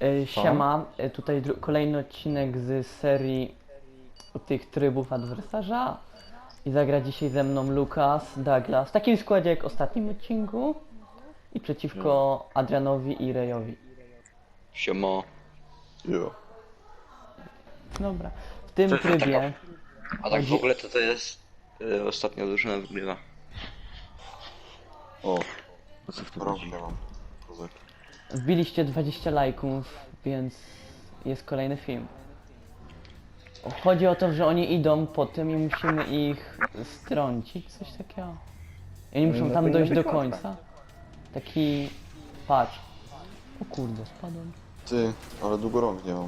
Siema, tutaj kolejny odcinek z serii tych trybów adwersarza i zagra dzisiaj ze mną Lukas, Douglas, w takim składzie jak w ostatnim odcinku i przeciwko Adrianowi i Rejowi. Siemo. Jo. Dobra, w tym trybie A tak w ogóle to jest ostatnia drużyna wygrywa. O, No co w tym rok chodzi? nie mam. Kozak. wbiliście 20 lajków, więc jest kolejny film. Chodzi o to, że oni idą po tym i musimy ich strącić, coś takiego. I oni muszą tam dojść do końca. Taki... patrz. O kurde, spadłem. Ty, ale długo rąk nie mam.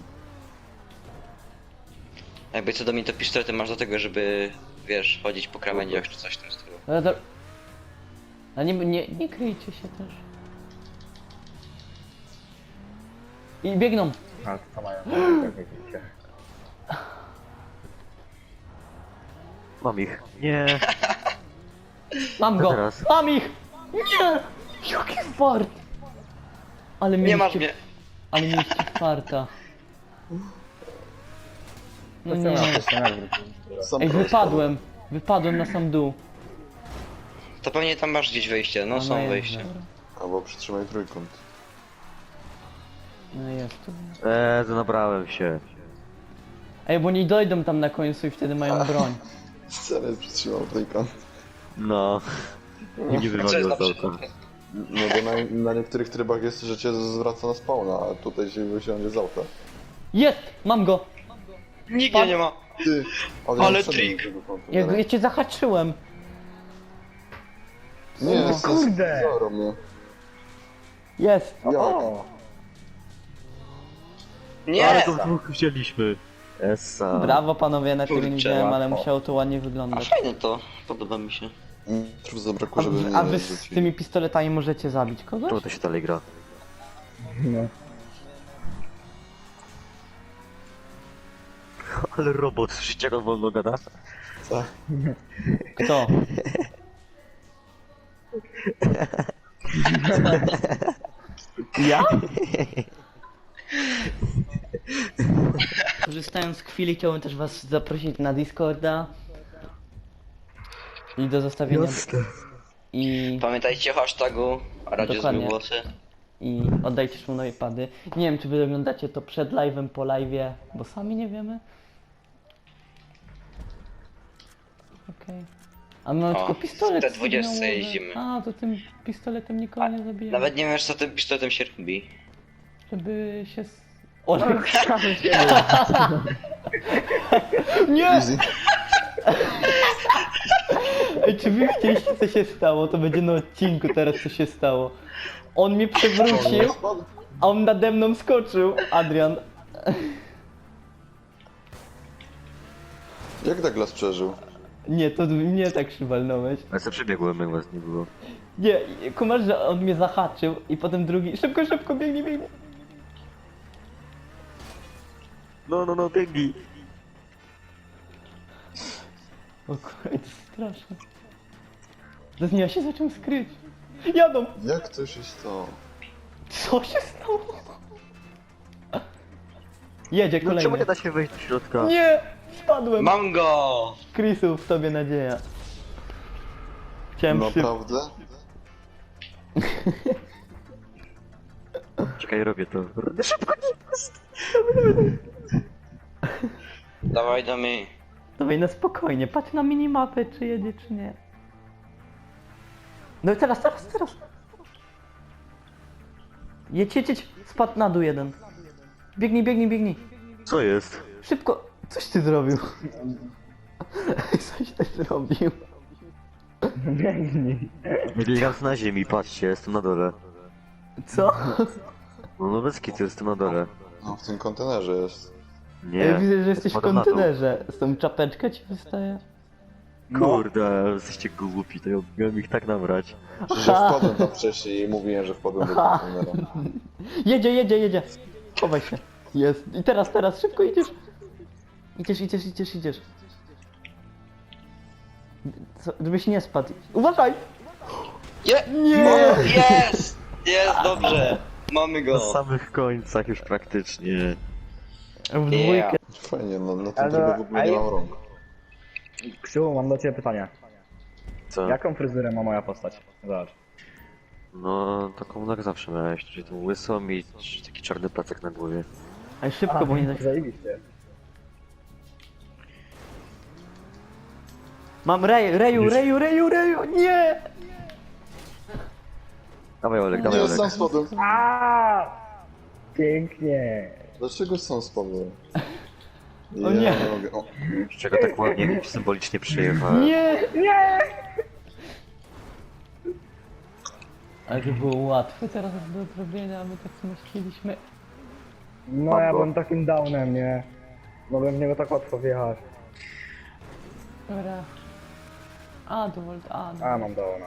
Jakby co do mnie to pistolety masz do tego, żeby wiesz, chodzić po krawędziach czy coś w tym stylu. Ale nie kryjcie się też. I biegną! A co mają? Jak widzicie. Mam ich. Nie. Mam Co go! teraz? Mam ich! Nie! Jaki fart! Ale Nie masz mieliście, mnie! ale mieliście farta. No To nie. co na to Sam Ej, prawie wypadłem! Wypadłem na sam dół. To pewnie tam masz gdzieś wejście, no są jest, wejścia. dobra. spadłem. Albo przytrzymaj trójkąt. No jest tu. Nabrałem się. Ej, bo nie dojdą tam na końcu i wtedy mają broń. Wcale przytrzymał trójkąt. No. Nie Co jest wywaliło na z auta. przykład? No bo na niektórych trybach jest, że cię zwraca na spawna, a tutaj się wysiądzie z auta. Jest! Mam go! Nigdzie nie ma! Ty, Ale wszedłem trik. do tego kontenera. Ja cię zahaczyłem. Nie, O kurde! Zoro mnie. Jest! Jak? O! Nie! Ale to dwóch wzięliśmy. Essa. Brawo panowie, na tego nie Kurczę, widziałem, ale łatwo. musiało to ładnie A wyglądać. fajne to, podoba mi się. Trów zabrakło, żeby mnie A nie wy z rzucili. tymi pistoletami możecie zabić Czemu kogoś? to się dalej gra? No. Ale robot, słyszycie jak on wolno gada? Tak. Kto? Ja? Korzystając z chwili chciałbym też was zaprosić na Discorda i do zostawienia i Pamiętajcie o hashtagu, a radzie Dokładnie. głosy. oddajcie szmunowi pady. Nie wiem czy wy oglądacie to przed live'em, po live'ie, bo sami nie wiemy. Okej. A my mamy O, tylko pistolet te 20 sygnałowy. jeździmy. A, to tym pistoletem nikogo nie zabijamy. Nawet nie wiesz co tym pistoletem się robi. Żeby się... O, nie! Easy. Ej, czy wy widzieliście co się stało? To będzie na odcinku teraz co się stało. On mnie przewrócił, a on nade mną skoczył, Adrian. Jak Douglas przeżył? Nie, to mnie tak przywalnąłeś. Ale sobie przebiegłem, jak was nie było. Nie, kumasz, że on mnie zahaczył i potem drugi... Szybko, szybko, biegnij, biegnij. No, biegnij. O kurde, to jest straszne. To ja się zaczął skryć. Jadą! Jak to się stało? Co się stało? Jedzie No czemu kolejny. nie da się wejść do środka? Nie! Spadłem! Mam go! Chrisu, w tobie nadzieja. Chciałem Naprawdę? Czekaj, robię to. Dawaj do mnie. Dawaj na spokojnie, patrz na minimapę, czy jedzie, czy nie. No i teraz. Jedź. Spadł na dół jeden. Biegnij. Co jest? Szybko. Coś ty zrobił. Coś ty zrobił. Biegnij. Biegam na ziemi, patrzcie, jestem na dole. Co? No bez kitu, jestem na dole. No w tym kontenerze jest. Nie. Ja widzę, że jesteś w spadam na dół. kontenerze. Z tą czapeczka ci wystaje. Kurde, jesteście głupi, to ja miałem ich tak nabrać. Przecież ja wpadłem tam wcześniej i mówiłem, że wpadłem do kontenera. Jedzie. Chowaj się. Jest. I teraz, szybko idziesz. Idziesz. Co, żebyś nie spadł. Uważaj! Je! Nie! Jest! Jest, dobrze! Mamy Na go! samych końcach już praktycznie. W dwójkę. Fajnie, no na tym Ale- trybie w ogóle nie mam rąk. Krzywu, mam do ciebie pytanie. Co? Jaką fryzurę ma moja postać? Zobacz. No, taką jak zawsze miałeś, czyli tą łysą i taki czarny placek na głowie. Ale szybko, bo nie da się... Zajebiście. Mam reju, nie! Dawaj Olek, dawaj Nie, Olek. sam spadłem. Aaaa! Pięknie. Dlaczego sam spadłem? O nie. mogę. O, Z czego tak ładnie symbolicznie przyjechałem. Nie! Nie! Ale to było łatwe teraz do zrobienia, a my tak samo chcieliśmy. No ja Mambo. byłem takim downem, nie? Mogłem w niego tak łatwo wjechać. Dobra. A, to volt, a, no. A, mam downa.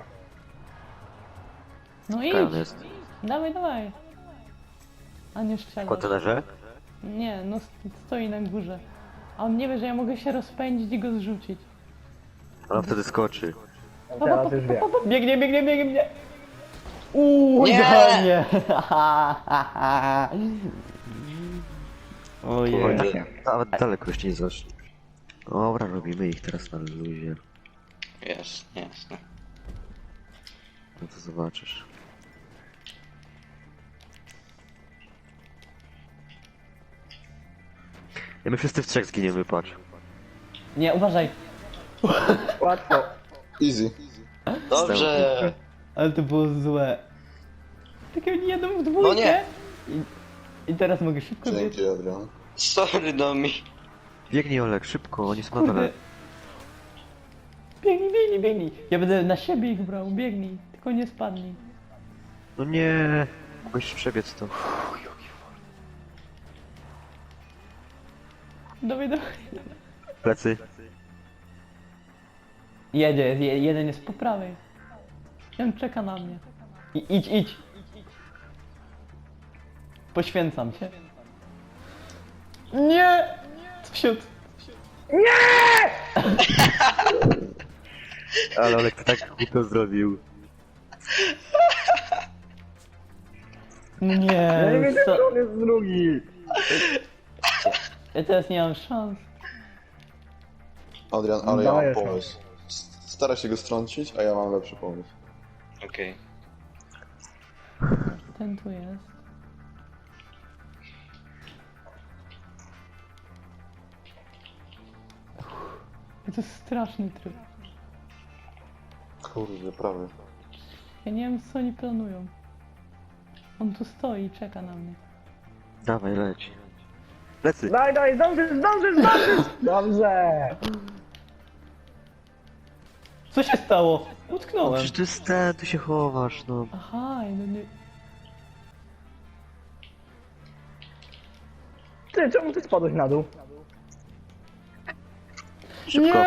No Kaj on idź! jest? Dawaj. A nie W strzela. kontenerze? Nie, no stoi na górze. A on nie wie, że ja mogę się rozpędzić i go zrzucić. Ale on wtedy skoczy. Teraz już wiem. Biegnie! Uuu, Nie! idealnie! Ojej. Kurde. Nawet daleko jeszcze nie zaszli. Dobra, robimy ich teraz na luzie. Jasne. No to zobaczysz. Ja my wszyscy w trzech zginiemy, patrz. Nie, uważaj! Łatwo. easy. Dobrze! Ale to było złe. Tak oni jadą w dwójkę. No nie. I teraz mogę szybko biec. Dzięki, Adrian. Sorry, Domi. Biegnij Olek, szybko, oni są na dole. Kurde. Biegnij. Ja będę na siebie ich brał, biegnij. Tylko nie spadnij. No nie, mogłeś przebiec to. Dawaj. Plecy. Jeden jest po prawej. On czeka na mnie. Idź. Poświęcam się. Nie! Wsiód. Ale Olek to tak głupio zrobił. Nie, Ja nie wiedziałem, co? że on jest drugi. Ja teraz nie mam szans. Adrian, ale ja mam Dajesz, pomysł. Stara się go strącić, a ja mam lepszy pomysł. Okej. Ten tu jest. To jest straszny tryb. Kurde, prawie. Ja nie wiem, co oni planują. On tu stoi i czeka na mnie. Dawaj, leć. Plecy. Daj, zdążysz! Dobrze! Co się stało? No, Utknąłem. przecież to jest ten, tu się chowasz, no. Aha, no nie... Ty, czemu ty spadłeś na dół? Szybko.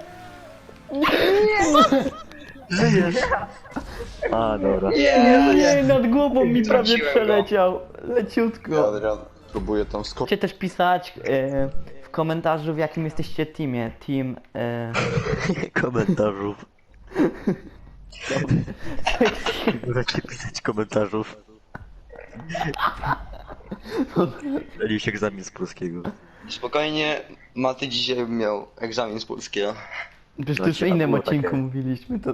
Nie! Żyjesz. A, dobra. Nie, nad głową mi prawie Wtrąciłem go. przeleciał. Ja, Leciutko. Adrian, próbuję tam skoczyć. Możecie też pisać w komentarzu, w jakim jesteście teamie. Team... Komentarzów. Możecie pisać komentarzów. Zdalił się egzamin z polskiego. Spokojnie, Maty dzisiaj miał egzamin z polskiego. Przecież No, to już w ciekawe innym było odcinku takie. mówiliśmy to.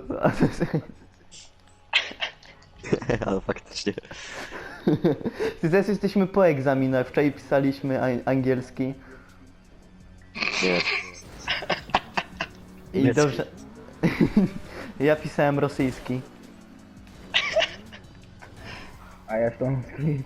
Ale faktycznie. Teraz jesteśmy po egzaminach. Wczoraj pisaliśmy angielski. Nie. I Niemiecki. dobrze. Ja pisałem rosyjski. A ja stąd.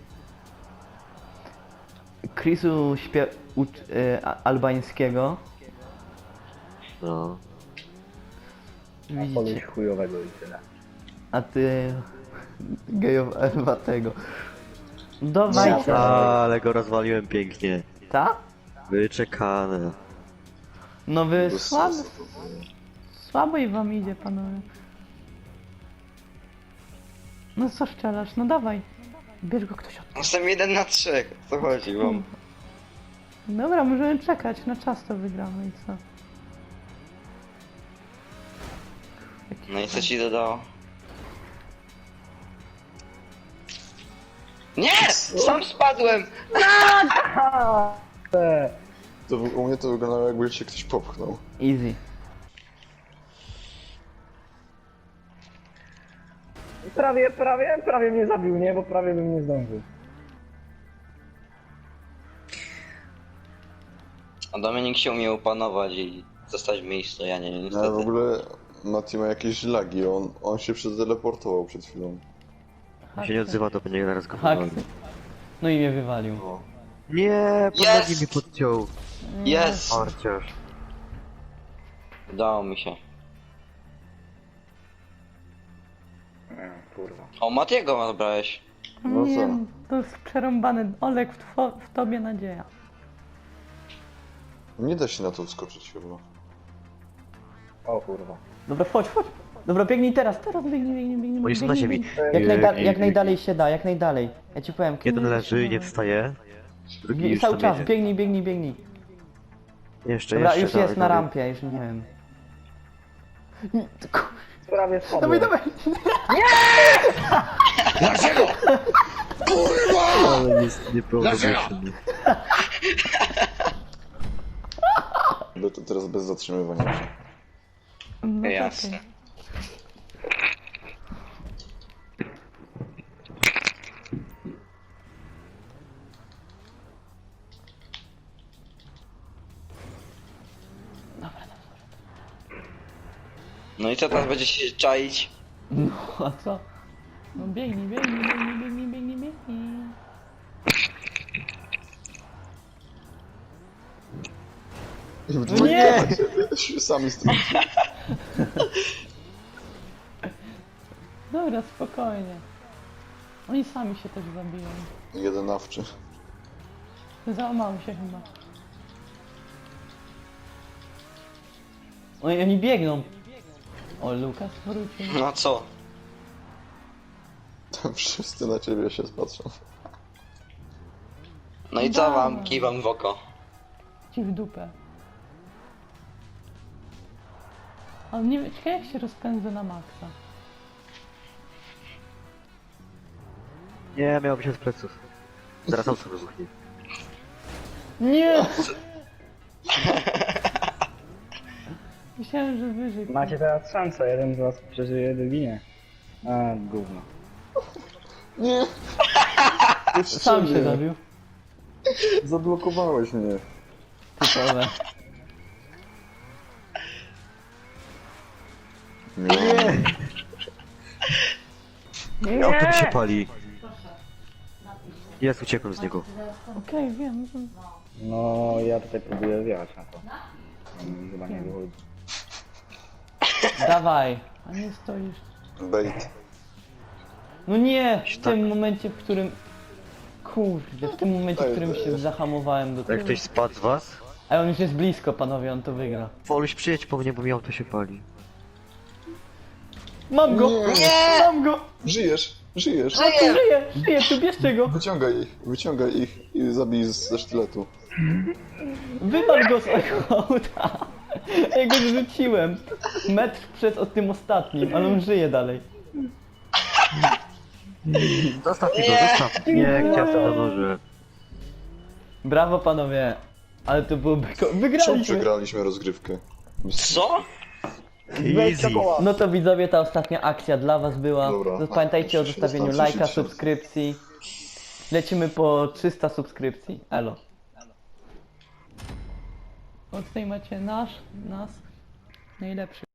Chrisu albańskiego. No. Widzicie. Koleś chujowego i tyle. A ty gejowatego. Dawajcie. Ale go rozwaliłem pięknie. Ta? Wyczekane. No wy Bez słabo. sensu to było. Słabo i wam idzie, panowie. No co szczelasz? No dawaj. Bierz go ktoś od... Jestem 1 na 3, o co chodzi wam? Dobra, możemy czekać. Na czas to wygramy i co? No i co ci dodało? Nie! Sam spadłem! U mnie to wyglądało, jakby cię ktoś popchnął. Easy. Prawie mnie zabił, nie? Bo prawie bym nie zdążył. A Dominik się umie opanować i zostać w miejscu, ja nie, Ale w niestety. ogóle Mati ma jakieś lagi, on się przeteleportował przed chwilą. On się nie odzywa, to będzie zaraz go Haksy. powoli. No i mnie wywalił. Nie, pod Jest! nogi mi podciął. Jest! Parciarz. Udało mi się. Kurwa. O, Matiego zabrałeś. No Nie, co? to jest przerąbany. Olek, w tobie nadzieja. Nie da się na to wskoczyć chyba. O kurwa. Dobra, chodź. Dobra, biegnij teraz, biegnij. Oni są na ziemi. Jak najdalej się da, jak najdalej. Ja ci powiem. Jeden kurde, leży, nie się wstaje. Drugi da. już Cały tam czas, jedzie. biegnij. Jeszcze, Dobra, jeszcze, już dawaj, jest na dawaj. rampie, już nie wiem. Prawie spadłem. Dawaj. Ale jest niepełnoletni. To teraz bez zatrzymywania się. No Jasne. okej. No i co teraz będzie się czaić? No a co? No biegnij. I w No dwójkę nie! się sami stronili. Dobra, spokojnie. Oni sami się też zabiją. Jeden nawczy. Załamałem się chyba. Oni biegną. O, Lukas wrócił. No co? Tam wszyscy na ciebie się spatrzą. No i co wam? Kiwam w oko. Ci w dupę. Ale nie wiem, ciekawe jak się rozpędzę na maksa. Nie, miałoby się z pleców. Zaraz auto wybuchnie. Nie! Myślałem, że wyżej. Macie teraz szansę, jeden z was przeżyje, drugi nie. A, gówno. Nie! Sam się zabił. Zablokowałeś mnie. Typowe. Nie. Auto mi się pali. Jest, uciekłem z niego. Okej, wiem. No, ja tutaj próbuję wjechać na to. Chyba nie wychodzi. Dawaj. A nie stoisz. Bait. No nie! W Tak. tym momencie, w którym... Kurde, w tym momencie, w którym się zahamowałem do Jak tyłu. ktoś spadł z was, A on już jest blisko, panowie, on to wygra. Woluś przyjedź po mnie, bo mi auto się pali. Mam go! Nie. Mam go! Żyjesz! Żyjesz! Żyje, tu bierzcie go! Wyciągaj ich i zabij ze sztyletu. Wywal go z auta! Ja go zrzuciłem. Metr przed tym ostatnim, ale on żyje dalej. Zostaw mi go, zostaw. Nie, chciałem na noże. Brawo, panowie. Ale to było Czemu Wygraliśmy! przegraliśmy rozgrywkę? Co? Easy. No to widzowie, ta ostatnia akcja dla was była. Dobra. Pamiętajcie o Jeszcze się zostawieniu dostałem lajka, 30. subskrypcji. Lecimy po 300 subskrypcji. Elo. O, tutaj macie nas, najlepszy.